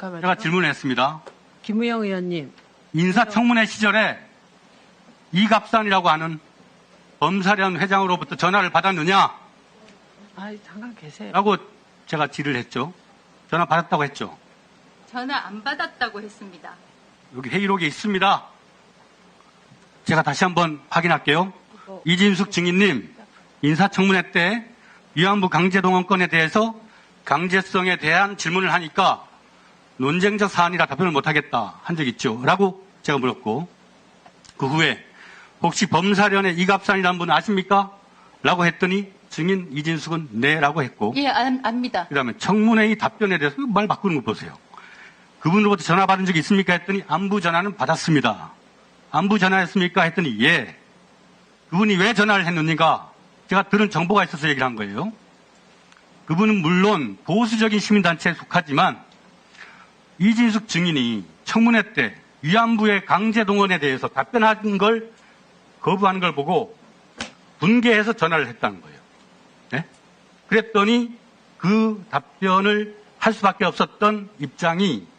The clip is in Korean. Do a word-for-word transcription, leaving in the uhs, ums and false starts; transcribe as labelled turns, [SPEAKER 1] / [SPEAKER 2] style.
[SPEAKER 1] 잠깐만요.
[SPEAKER 2] 제가 질문했습니다.
[SPEAKER 1] 김우영 의원님.
[SPEAKER 2] 인사청문회 시절에 이갑산이라고 하는 범사련 회장으로부터 전화를 받았느냐라고
[SPEAKER 1] 아, 잠깐 계세요.
[SPEAKER 2] 제가 질의를 했죠. 전화 받았다고 했죠.
[SPEAKER 3] 전화 안 받았다고 했습니다.
[SPEAKER 2] 여기 회의록에 있습니다. 제가 다시 한번 확인할게요.
[SPEAKER 1] 뭐,
[SPEAKER 2] 이진숙 증인님, 인사청문회 때 위안부 강제동원권에 대해서 강제성에 대한 질문을 하니까 논쟁적 사안이라 답변을 못하겠다 한 적 있죠? 라고 제가 물었고, 그 후에 혹시 범사련의 이갑산이라는 분 아십니까? 라고 했더니 증인 이진숙은 네 라고 했고,
[SPEAKER 3] 예, 안, 압니다.
[SPEAKER 2] 그 다음에 청문회의 답변에 대해서 말 바꾸는 거 보세요. 그분으로부터 전화 받은 적이 있습니까? 했더니 안부 전화는 받았습니다. 안부 전화했습니까? 했더니 예. 그분이 왜 전화를 했느니까 제가 들은 정보가 있어서 얘기를 한 거예요. 그분은 물론 보수적인 시민단체에 속하지만 이진숙 증인이 청문회 때 위안부의 강제동원에 대해서 답변한 걸 거부하는 걸 보고 분개해서 전화를 했다는 거예요. 네? 그랬더니 그 답변을 할 수밖에 없었던 입장이